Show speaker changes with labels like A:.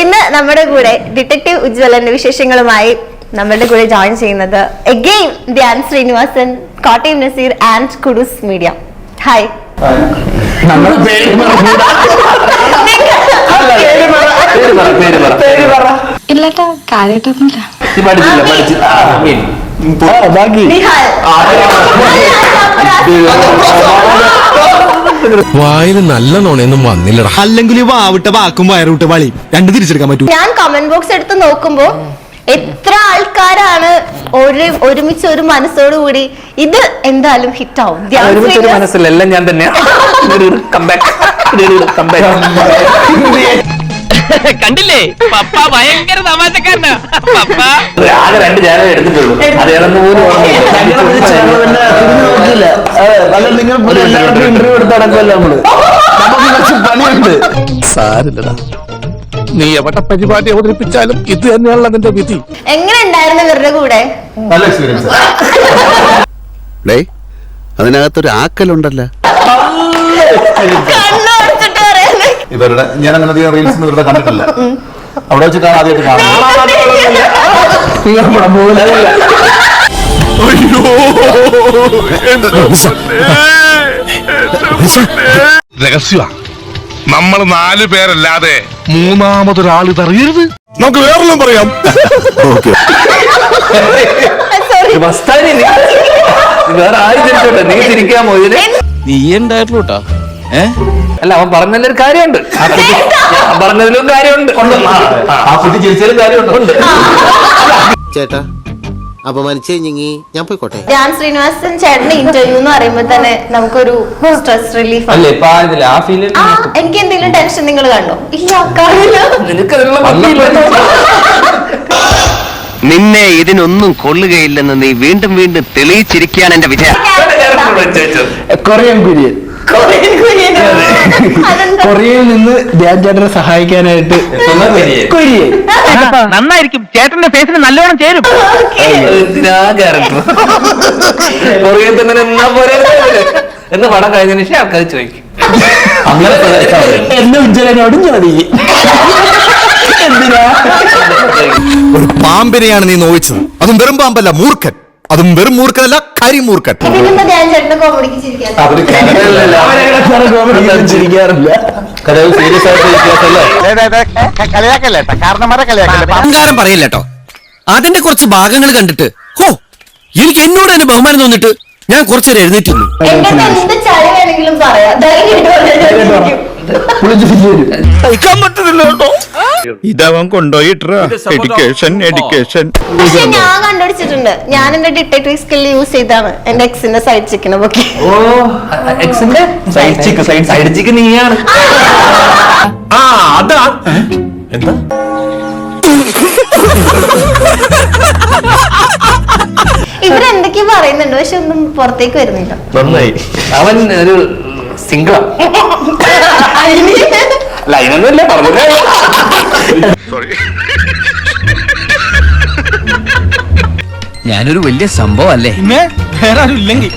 A: ഇന്ന് നമ്മുടെ കൂടെ ഡിറ്റക്റ്റീവ് ഉജ്വലന്റെ വിശേഷങ്ങളുമായി നമ്മുടെ കൂടെ ജോയിൻ ചെയ്യുന്നത് again Dhyan Sreenivasan, Kottayam Nazir and Kudoos media. Hi.
B: ഇല്ലട്ടാ, കാര്യമായിട്ടൊന്നുമില്ല.
C: വായിൽ നല്ല നോണയൊന്നും വന്നില്ലടാ.
D: അല്ലെങ്കിൽ വാവിട്ട വാക്കും വയറുവിട്ട വളി രണ്ടു തിരിച്ചെടുക്കാൻ പറ്റൂ.
A: ഞാൻ കമന്റ് ബോക്സ് എടുത്ത് നോക്കുമ്പോ എത്ര ആൾക്കാരാണ് ഒരുമിച്ച് ഒരു മനസ്സോടുകൂടി ഇത് എന്തായാലും ഹിറ്റ് ആവും.
E: മനസ്സിലെല്ലാം ഞാൻ തന്നെയാണ്.
F: കണ്ടില്ലേ, പപ്പ ഭയങ്കര തമാശക്കാരനാ. പപ്പ
E: ആകെ 2 ചാനൽ എടുത്തിട്ടുള്ളൂ.
D: ഇന്റർവ്യൂ എടുത്ത് നടക്കുമല്ലോ നമ്മള്. പണിയുണ്ട്.
C: സാരില്ലടാ, നീ എവിടെ പരിപാടി അവതരിപ്പിച്ചാലും ഇത് തന്നെയാണല്ലോ അതിന്റെ വിധി.
A: എങ്ങനെ ഉണ്ടായിരുന്നു ഇവരുടെ കൂടെ?
D: നല്ല എക്സ്പീരിയൻസ്.
G: അതിനകത്തൊരു ആക്കലുണ്ടല്ലോ.
D: ഇവരുടെ ഞാൻ അങ്ങനെ അധികം റീൽസ് ഇവരുടെ കണ്ടിട്ടില്ല. അവിടെ വെച്ച് ആദ്യമായിട്ട് കാണാം.
C: രഹസ്യ നമ്മൾ 4 പേരല്ലാതെ മൂന്നാമതൊരാൾ ഇതറിയരുത്. നമുക്ക് വേറെല്ലാം പറയാം.
E: വേറെ ആര് തിരിച്ചോട്ടെ, നീ തിരിക്കാമോ ഇതിന്?
F: നീ ഉണ്ടായിട്ടുള്ളൂട്ടാ.
E: അല്ല, അവൻ പറഞ്ഞതിലൊരു കാര്യമുണ്ട്. പറഞ്ഞതിലും കാര്യമുണ്ട്.
D: ആ കുട്ടി ചിരിച്ചാലും കാര്യമുണ്ട്.
G: ചേട്ടാ അപമാനിച്ചേ ഞാൻ പോയിക്കോട്ടെ.
A: ധ്യാൻ ശ്രീനിവാസൻ ചേട്ടന്റെ ഇന്റർവ്യൂ എന്ന് പറയുമ്പോ തന്നെ നമുക്കൊരു സ്ട്രെസ് റിലീഫ്.
E: അല്ലേ, ഇപ്പൊ ആ ഫീലിൽ
A: എനിക്ക് എന്തെങ്കിലും ടെൻഷൻ നിങ്ങൾ കണ്ടോ? ഇല്ല, കാണില്ല.
H: നിന്നെ ഇതിനൊന്നും കൊള്ളുകയില്ലെന്ന് നീ വീണ്ടും വീണ്ടും തെളിയിച്ചിരിക്കുകയാണ് എന്റെ വിജയം.
D: കൊറിയൻ കുര്യൻ. കൊറിയയിൽ നിന്ന് ധ്യാൻ ചേട്ടനെ സഹായിക്കാനായിട്ട് കൊരിയൻ.
F: നന്നായിരിക്കും, ചേട്ടന്റെ ഫേസിന് നല്ലോണം ചേരും.
E: എന്ന് പടം കഴിഞ്ഞതിന് ശേഷം ആൾക്കാർ ചോദിക്കും
D: അങ്ങനെ എന്നെ ഉജ്ജ്വലനോടും ചോദിക്കും.
C: ഒരു പാമ്പിനെയാണ് നീ നോവിച്ചത്. അതും വെറും പാമ്പല്ല, മൂർഖൻ. അതും വെറും മൂർഖനല്ല, കരിമൂർഖൻ.
A: ഇതിലിപ്പോ ധ്യാൻ ചേട്ടന്റെ കോമഡിക്ക് ചിരിക്കാൻ
D: ചിരിക്കാറില്ല. സീരിയസ്
H: അഹങ്കാരം പറയില്ലട്ടോ. അതിന്റെ കുറച്ച് ഭാഗങ്ങൾ കണ്ടിട്ട് ഹോ, എനിക്ക് എന്നോട് തന്നെ ബഹുമാനം തോന്നിട്ട് ഞാൻ കുറച്ചേരം എഴുന്നേറ്റുള്ളൂ.
A: എന്റെ എന്ത് ചളി വേണമെങ്കിലും പറയാം, ധൈര്യമായിട്ട്.
C: ഇതവൻ കൊണ്ടുപോയിട്ടാ എഡ്യൂക്കേഷൻ.
A: പക്ഷെ ഞാൻ കണ്ടുപിടിച്ചിട്ടുണ്ട്. ഞാൻ എന്റെ ഡിറ്റക്റ്റീവ് സ്കിൽ യൂസ് ചെയ്താണ് എന്റെ എക്സിന്റെ സൈഡ് ചിക്കനെ പൊക്കി.
E: ഓ, എക്സിന്റെ സൈഡ് ചിക്കൻ നീയാണ്.
D: അതാ എന്താ
A: ഇവരെന്തൊക്കെയോ പറയുന്നുണ്ട്, പക്ഷെ ഒന്നും പുറത്തേക്ക് വരുന്നില്ല.
E: നന്നായി. അവൻ ഒരു സിംഗിളാ. അല്ല, അതിനൊന്നുമില്ല, പറഞ്ഞില്ല.
H: ഞാനൊരു വലിയ സംഭവം അല്ലേ?
D: വേറെ ആരും ഇല്ലെങ്കിൽ